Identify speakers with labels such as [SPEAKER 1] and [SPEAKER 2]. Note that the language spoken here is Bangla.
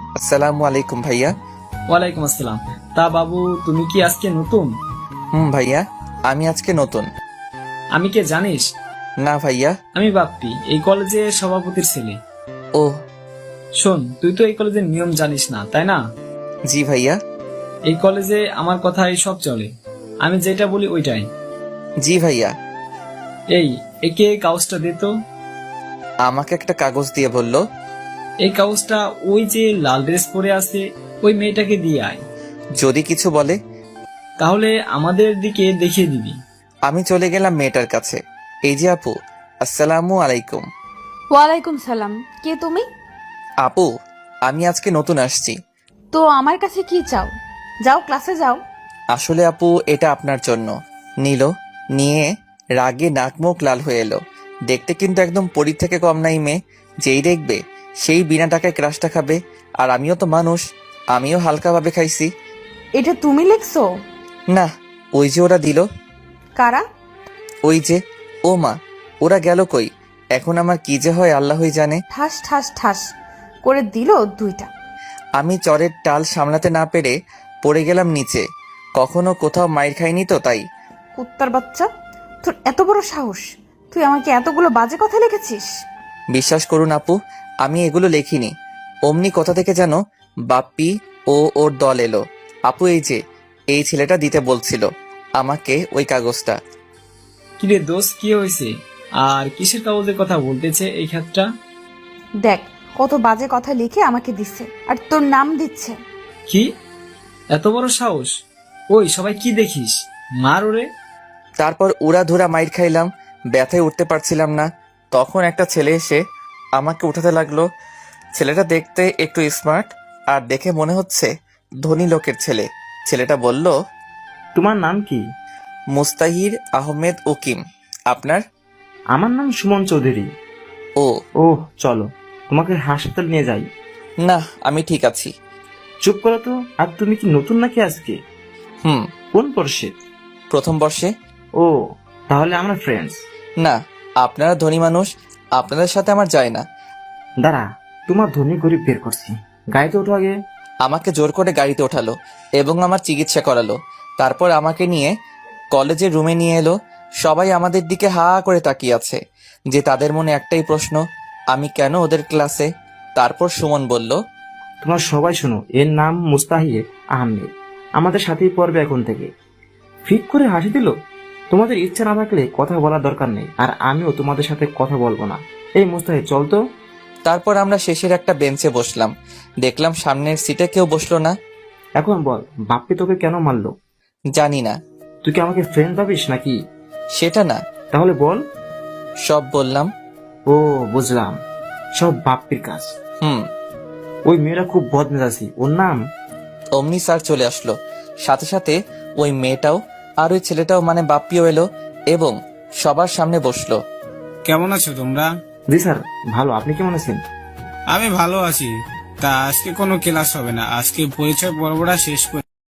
[SPEAKER 1] আসসালামু আলাইকুম ভাইয়া।
[SPEAKER 2] ওয়ালাইকুম আসসালাম। তা বাবু, তুমি কি আজকে নতুন?
[SPEAKER 1] ভাইয়া, আমি আজকে নতুন।
[SPEAKER 2] আমি কে জানিস?
[SPEAKER 1] না ভাইয়া।
[SPEAKER 2] আমি বাপ্পি, এই কলেজের সভাপতির ছেলে।
[SPEAKER 1] ও।
[SPEAKER 2] শোন, তুই তো এই কলেজের নিয়ম জানিস না, তাই না?
[SPEAKER 1] জি ভাইয়া।
[SPEAKER 2] এই কলেজে আমার কথাই সব চলে, আমি যেটা বলি ওইটাই।
[SPEAKER 1] জি ভাইয়া।
[SPEAKER 2] এই, একে এই কাগজটা দে তো।
[SPEAKER 1] আমাকে একটা কাগজ দিয়ে বলল।
[SPEAKER 2] এই কাগজটা ওই যে লাল ড্রেস পরে আছে ওই মেয়েটাকে দিয়ে আয়।
[SPEAKER 1] যদি কিছু বলে?
[SPEAKER 2] তাহলে আমাদের দিকে দেখিয়ে দিবি।
[SPEAKER 1] আমি চলে গেলাম মেয়েটার কাছে। এই যে আপু, আসসালামু আলাইকুম।
[SPEAKER 3] ওয়ালাইকুম সালাম। কে তুমি?
[SPEAKER 1] আপু, আমি আজকে নতুন আসছি।
[SPEAKER 3] তো আমার কাছে কি চাও? যাও ক্লাসে যাও।
[SPEAKER 1] আসলে আপু, এটা আপনার জন্য। নিল, নিয়ে রাগে নাক মুখ লাল হয়ে এলো। দেখতে কিন্তু একদম পরীর থেকে কম নাই মেয়ে। যেই দেখবে সেই বিনা টাকায় ক্রাশটা খাবে। আর আমিও তো মানুষ, আমিও হালকাভাবে খাইছি।
[SPEAKER 3] এটা তুমি লিখছো?
[SPEAKER 1] না, ওই যে ওরা দিল।
[SPEAKER 3] কারা?
[SPEAKER 1] ওই যে। ও মা, ওরা গেল কই? এখন আমার কি যে হয় আল্লাহই জানে।
[SPEAKER 3] ঠাস ঠাস ঠাস করে দিল দুইটা।
[SPEAKER 1] আমি চরের টাল সামলাতে না পেরে পড়ে গেলাম নিচে। কখনো কোথাও মাইর খাইনি তো তাই।
[SPEAKER 3] কুত্তার বাচ্চা, তোর এত বড় সাহস! তুই আমাকে এতগুলো বাজে কথা লিখেছিস?
[SPEAKER 1] বিশ্বাস করুন আপু, আমি এগুলো লেখিনি। অমনি কোথা থেকে যেন বাপ্পি ও ওর দল এলো। আপু, এই যে এই ছেলেটা দিতে বলছিল আমাকে ওই কাগজটা।
[SPEAKER 2] কিরে দোস্ত, কি হয়েছে? আর কিসের কাগজের কথা বলতেছে এই ক্ষেত্রটা?
[SPEAKER 3] দেখ, কত বাজে কথা লিখে আমাকে দিচ্ছে, আর তোর নাম দিচ্ছে।
[SPEAKER 2] কি এত বড় সাহস! ওই সবাই কি দেখিস, মার ওরে।
[SPEAKER 1] তারপর উড়া ধুরা মাইর খাইলাম, ব্যথায় উঠতে পারছিলাম না। তখন একটা ছেলে এসে আমাকে উঠাতে লাগলো। ছেলেটা দেখতে একটু স্মার্ট, আর দেখে মনে হচ্ছে ধনী লোকের ছেলে। ছেলেটা বলল,
[SPEAKER 4] তোমার নাম কি?
[SPEAKER 1] মুস্তাহির আহমেদ উকিম। আপনার?
[SPEAKER 4] আমার নাম সুমন চৌধুরী।
[SPEAKER 1] ও।
[SPEAKER 4] ওহ, চলো তোমাকে হাসপাতাল নিয়ে যাই।
[SPEAKER 1] না, আমি ঠিক আছি।
[SPEAKER 4] চুপ করো তো। আর তুমি কি নতুন নাকি আজকে?
[SPEAKER 1] হুম।
[SPEAKER 4] কোন বর্ষে?
[SPEAKER 1] প্রথম বর্ষে।
[SPEAKER 4] ও, তাহলে আমরা ফ্রেন্ডস।
[SPEAKER 1] না, আপনারা ধনী মানুষ, আপনাদের সাথে আমার যায় না।
[SPEAKER 4] দাঁড়া, তোমার ধনী গরিব বের করছি। গাড়িতে ওঠো আগে।
[SPEAKER 1] আমাকে জোর করে গাড়িতে ওঠালো এবং আমার চিকিৎসা করালো। তারপর আমাকে নিয়ে কলেজের রুমে নিয়ে এলো। সবাই আমাদের দিকে হা করে তাকিয়ে আছে, যে তাদের মনে একটাই প্রশ্ন, আমি কেন ওদের ক্লাসে? তারপর সুমন বলল,
[SPEAKER 4] তোমার সবাই শোনো, এর নাম মুস্তাহির আহমেদ। আমাদের সাথেই পড়বে এখন থেকে। ফিক করে হাসি দিল। তোমাদের ইচ্ছা না থাকলে কথা বলার দরকার নেই, আর আমিও তোমাদের সাথে কথা বলবো না। এই মুস্তাহির, চল তো।
[SPEAKER 1] তারপর আমরা শেষের একটা বেঞ্চে বসলাম। দেখলাম সামনের সিটে কেউ বসলো না।
[SPEAKER 4] এখন বল, বাপ্পি তোকে কেন মারলো?
[SPEAKER 1] জানি না।
[SPEAKER 4] তুই কি আমাকে ফ্রেন্ড ভাবিস নাকি?
[SPEAKER 1] সেটা না।
[SPEAKER 4] তাহলে বল।
[SPEAKER 1] সব বললাম।
[SPEAKER 4] ও, বুঝলাম, সব বাপ্পির কাজ।
[SPEAKER 1] হুম।
[SPEAKER 4] ওই মেয়েরা খুব বদমেজাজি। ওর নাম?
[SPEAKER 1] অমনি স্যার চলে আসলো। সাথে সাথে ওই মেয়েটাও আর ওই ছেলেটাও মানে বাপ্পিও এলো এবং সবার সামনে বসলো।
[SPEAKER 5] কেমন আছো তোমরা?
[SPEAKER 4] জি স্যার, ভালো। আপনি কেমন আছেন?
[SPEAKER 5] আমি ভালো আছি। তা আজকে কোনো ক্লাস হবে না, আজকে পরিচয় পর্বটা শেষ করে